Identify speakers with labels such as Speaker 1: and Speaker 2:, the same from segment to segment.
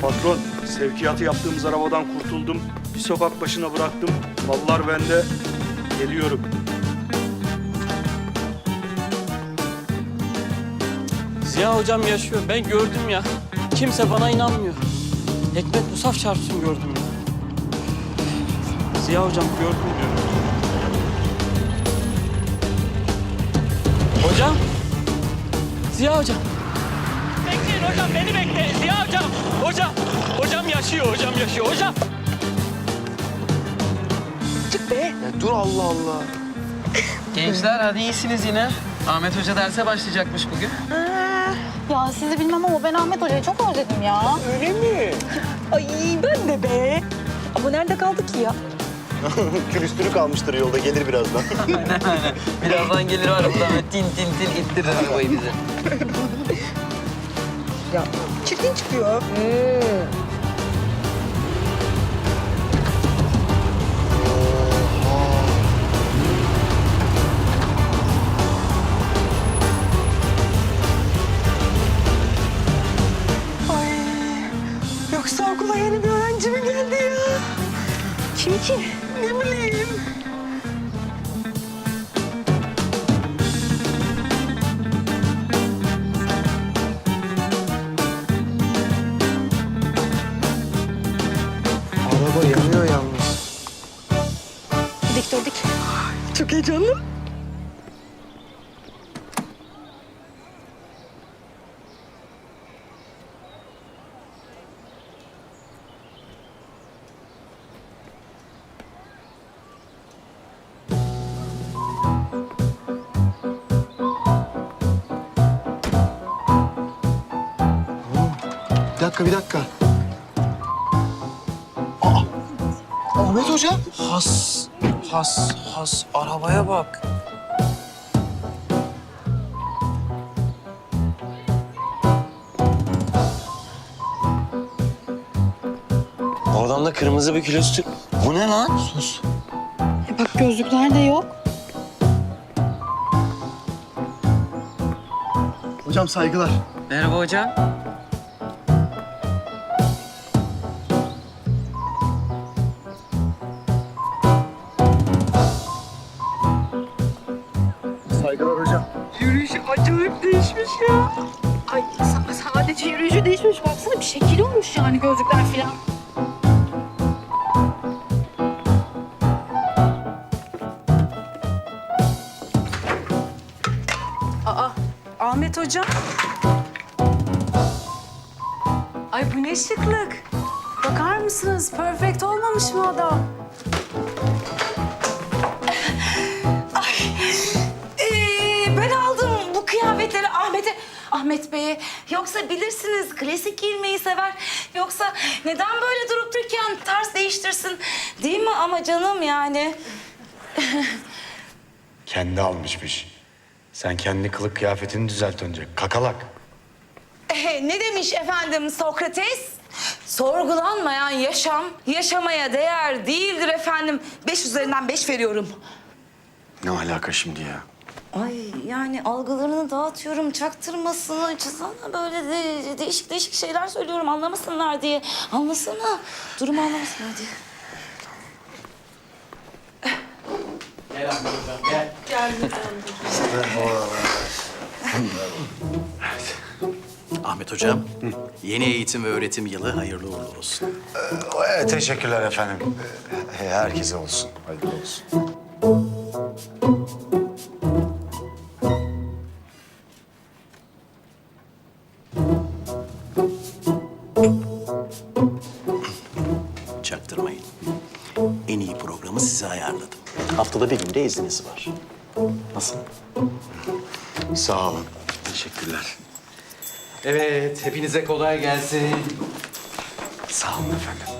Speaker 1: Patron, sevkiyatı yaptığımız arabadan kurtuldum. Bir sokak başına bıraktım. Mallar bende. Geliyorum.
Speaker 2: Ziya hocam yaşıyor. Ben gördüm ya. Kimse bana inanmıyor. Hikmet Musaf çarpsın gördüm ya. Ziya hocam gördüm diyorum. Hocam. Ziya hocam. Bekleyin hocam, beni bekle. Ziya hocam. Hocam. Hocam yaşıyor, hocam yaşıyor. Hocam.
Speaker 3: Çık be.
Speaker 4: Ya dur Allah Allah.
Speaker 5: Gençler hadi iyisiniz yine. Ahmet Hoca derse başlayacakmış bugün.
Speaker 6: Ya sizi bilmem ama ben Ahmet Hoca'yı çok özledim ya.
Speaker 3: Öyle mi? Ay ben de be. Ama nerede kaldı ki ya?
Speaker 4: Külüstürü kalmıştır yolda, gelir birazdan.
Speaker 5: Aynen. Birazdan gelir var buradan böyle tin tin tin ittirir arabayı bize.
Speaker 3: Ya çirkin çıkıyor. Ay, yoksa okula yeni bir öğrenci mi geldi ya? Kim ki? Ne bileyim.
Speaker 4: Araba yanıyor yalnız.
Speaker 6: Dik dur dik.
Speaker 3: Çok heyecanlı.
Speaker 4: Bir dakika. Aa, Ahmet Hoca.
Speaker 5: Has. Arabaya bak.
Speaker 4: O adamda kırmızı bir külüstür. Bu ne lan? Sus.
Speaker 6: Bak gözlükler de yok.
Speaker 4: Hocam saygılar.
Speaker 5: Merhaba hocam.
Speaker 4: Saygılar hocam.
Speaker 3: Yürüyüşü acayip değişmiş ya.
Speaker 6: Ay sadece yürüyüşü değişmiş. Baksana bir şekil olmuş yani gözlükler falan.
Speaker 7: Ahmet Hocam. Ay bu ne şıklık. Bakar mısınız? Perfect olmamış mı adam?
Speaker 8: Ben aldım bu kıyafetleri Ahmet Bey'e. Yoksa bilirsiniz klasik giyinmeyi sever. Yoksa neden böyle durup dururken tarz değiştirsin? Değil mi ama canım yani?
Speaker 9: Kendi almışmış. Sen kendi kılık kıyafetini düzelt önce. Kakalak.
Speaker 8: Ne demiş efendim Sokrates? Sorgulanmayan yaşam, yaşamaya değer değildir efendim. 5 üzerinden 5 veriyorum.
Speaker 9: Ne alaka şimdi ya?
Speaker 8: Ay yani algılarını dağıtıyorum, çaktırmasını, çizana böyle değişik değişik şeyler söylüyorum anlamasınlar diye. Anlasana, durumu anlamasınlar diye.
Speaker 2: Gel Ahmet hocam, gel.
Speaker 10: Ahmet Hocam, yeni eğitim ve öğretim yılı hayırlı uğurlu olsun.
Speaker 9: Teşekkürler efendim. Herkese olsun. Hayırlı olsun.
Speaker 10: Çaktırmayın. En iyi programı size ayarladım. Haftada bir günde izniniz var. Nasıl?
Speaker 9: Sağ olun. Teşekkürler.
Speaker 10: Evet, hepinize kolay gelsin.
Speaker 9: Sağ olun efendim.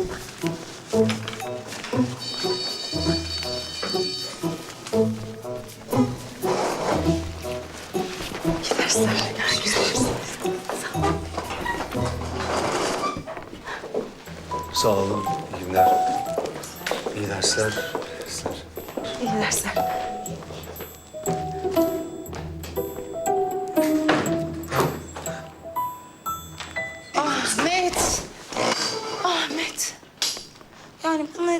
Speaker 9: Sağ olun. İyi günler. İyi dersler.
Speaker 8: İyi dersler. Ahmet.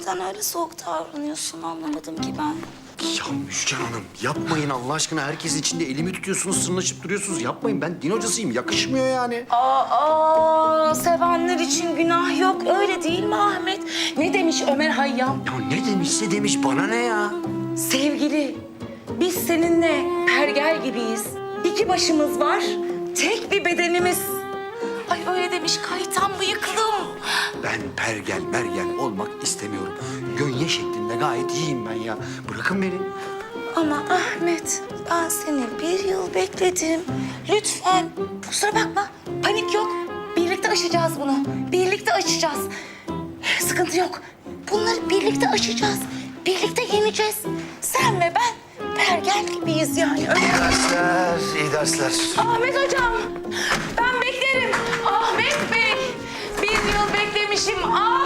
Speaker 8: neden öyle soğuk davranıyorsun anlamadım ki ben.
Speaker 10: Ya Müjgan Hanım yapmayın Allah aşkına. Herkes içinde elimi tutuyorsunuz, sırnaşıp duruyorsunuz. Yapmayın, ben din hocasıyım. Yakışmıyor yani.
Speaker 8: Sevenler için günah yok. Öyle değil mi Ahmet? Ne demiş Ömer Hayyam?
Speaker 10: Ya ne demişse demiş, bana ne ya?
Speaker 8: Sevgili, biz seninle pergel gibiyiz. İki başımız var, tek bir bedenimiz. Ay öyle demiş kaytan bıyıklım.
Speaker 10: Ben pergel mergel olmak istemiyorum. Gönye şeklinde gayet iyiyim ben ya. Bırakın beni.
Speaker 8: Ama Ahmet, ben seni 1 yıl bekledim. Lütfen, kusura bakma. Panik yok. Birlikte aşacağız bunu. Birlikte aşacağız. Sıkıntı yok. Bunları birlikte aşacağız. Birlikte yeneceğiz. Sen ve ben pergel gibiyiz yani. Öyle.
Speaker 10: İyi dersler, iyi dersler.
Speaker 8: Ahmet hocam, ben beklerim. Ahmet Bey, 1 yıl beklemişim.